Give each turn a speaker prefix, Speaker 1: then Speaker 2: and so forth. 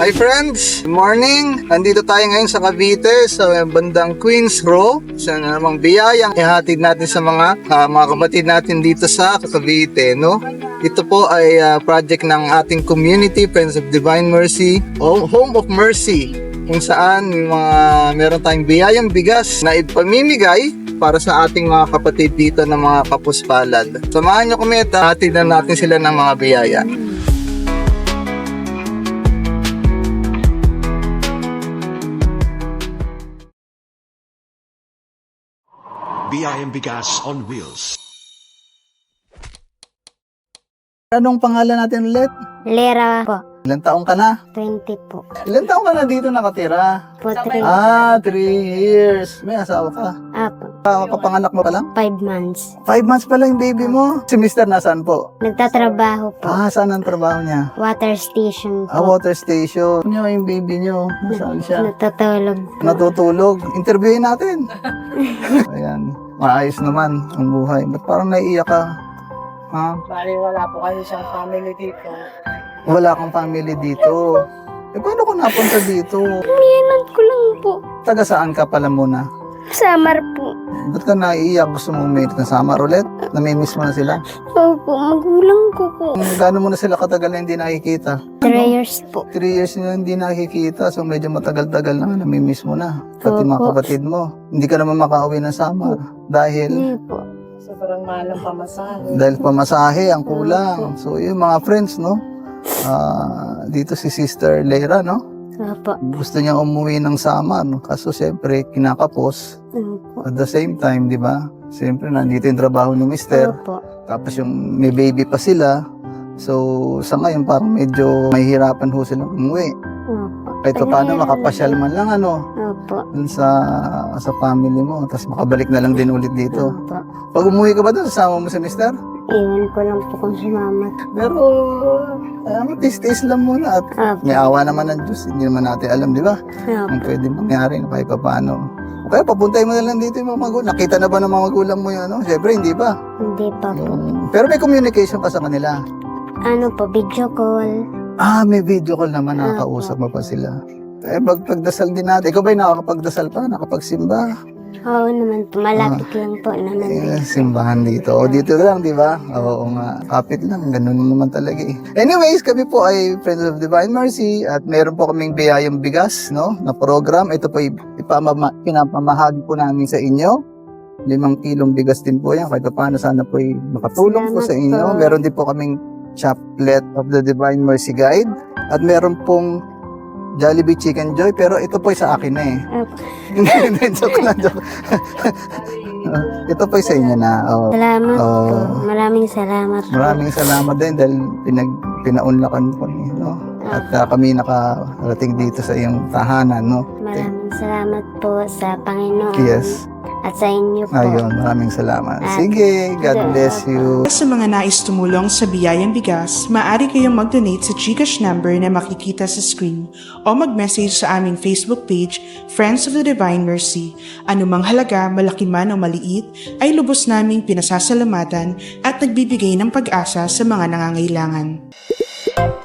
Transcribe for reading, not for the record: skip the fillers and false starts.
Speaker 1: Hi friends! Good morning! Andito tayo ngayon sa Cavite sa bandang Queens Row. Sa namang biyayang ihatid natin sa mga kapatid natin dito sa Cavite, no? Ito po ay project ng ating community, Friends of Divine Mercy, Home of Mercy, kung saan meron tayong biyayang bigas na ipamimigay para sa ating mga kapatid dito ng mga kapuspalad. Samahan nyo kami at hatid na natin sila ng mga biyaya.
Speaker 2: BIM Bigas on Wheels.
Speaker 1: Anong pangalan natin ulit?
Speaker 3: Lera po.
Speaker 1: Ilan taong ka na?
Speaker 3: 20 po.
Speaker 1: Ilan taong ka na dito nakatira?
Speaker 3: Po 3.
Speaker 1: 3 years. May asawa ka?
Speaker 3: Apo.
Speaker 1: Kapanganak mo pa lang?
Speaker 3: 5 months.
Speaker 1: 5 months pa lang yung baby mo. Si Mr. nasaan po?
Speaker 3: Nagtatrabaho po.
Speaker 1: Saan ang trabaho niya?
Speaker 3: Water station po.
Speaker 1: Water station. Ano yung baby niyo? Nasaan siya?
Speaker 3: Natutulog po.
Speaker 1: Natutulog. Interviewin natin. Ayan. Maayos naman ang buhay. Ba't parang naiiyak ka? Ha?
Speaker 4: Bali, wala po kayo siyang family dito.
Speaker 1: Wala kang family dito. Paano ka napunta dito?
Speaker 3: Umiyanan ko lang po.
Speaker 1: Taga saan ka pala muna?
Speaker 3: Samar po.
Speaker 1: Ba't ka naiiyak? Gusto mo umiit na summer ulit? Namimiss mo na sila?
Speaker 3: Opo, magulang ko po.
Speaker 1: Gaano mo na sila katagal na hindi nakikita?
Speaker 3: 3 years po.
Speaker 1: 3 years na hindi nakikita, so medyo matagal-tagal na namimiss mo na. Pati mga
Speaker 3: Opo.
Speaker 1: kapatid mo. Hindi ka naman makauwi ng summer. Dahil
Speaker 3: Hindi po.
Speaker 4: Sobrang mahal ng pamasahe.
Speaker 1: dahil pamasahe ang kulang. So yung mga friends, no? Dito si Sister Lera, no?
Speaker 3: Opo.
Speaker 1: Gusto niya umuwi ng summer, no? Kaso siyempre kinakapos.
Speaker 3: Opo.
Speaker 1: At the same time, di ba? Siyempre nandito yung trabaho ni Mister.
Speaker 3: Opo.
Speaker 1: Tapos yung may baby pa sila. So sa ngayon parang medyo mahihirapan ho silang umuwi.
Speaker 3: Opo.
Speaker 1: Kahit pa paano makapasyal man lang
Speaker 3: Opo.
Speaker 1: dun sa family mo. Tapos makabalik na lang din ulit dito.
Speaker 3: Opo.
Speaker 1: Pag umuwi ka ba dun, sasama mo si Mister?
Speaker 3: Iwan ko lang po kung sumama.
Speaker 1: Pero tis-tis lang muna. At
Speaker 3: Opo.
Speaker 1: may awa naman ng Diyos. Hindi naman natin alam, di ba?
Speaker 3: Opo.
Speaker 1: Ang pwede mangyari na kahit pa paano. Kaya papuntay mo na lang dito yung mga magulang. Nakita na ba ng mga magulang mo yun? Siyempre, hindi pa.
Speaker 3: Hindi pa po.
Speaker 1: Pero may communication pa sa kanila.
Speaker 3: Ano po, video call.
Speaker 1: May video call naman. Nakakausap mo pa sila. Pagdasal din natin. Ikaw ba'y nakakapagdasal pa? Nakapagsimba?
Speaker 3: Oo naman po, malapit lang po naman.
Speaker 1: Simbahan dito. O dito lang, di ba? Oo nga. Kapit lang. Ganun naman talaga eh. Anyways, kami po ay Friends of Divine Mercy at meron po kaming biyayang bigas, no? Na program. Ito po pinapamahagi po namin sa inyo. 5 kilong bigas din po yan. Kahit paano sana po ay makatulong po sa inyo.
Speaker 3: Salamat po.
Speaker 1: Meron din po kaming Chaplet of the Divine Mercy Guide. At meron pong Jollibee Chicken Joy. Pero ito po ay sa akin na eh.
Speaker 3: Opo.
Speaker 1: Hindi, joke lang, joke. Ito po sa inyo na.
Speaker 3: Salamat po.
Speaker 1: Oo.
Speaker 3: Maraming salamat po.
Speaker 1: Maraming salamat din dahil pinaunlakan po niyo, no? At kami nakarating dito sa iyong tahanan, no?
Speaker 3: Maraming salamat po sa Panginoon.
Speaker 1: Yes.
Speaker 3: At sa inyo po.
Speaker 1: Ayun, maraming salamat. Sige, God bless you.
Speaker 5: Sa mga nais tumulong sa Biyayang Bigas, maaari kayong mag-donate sa GCash number na makikita sa screen o mag-message sa aming Facebook page, Friends of the Divine Mercy. Anumang halaga, malaki man o maliit, ay lubos naming pinasasalamatan at nagbibigay ng pag-asa sa mga nangangailangan.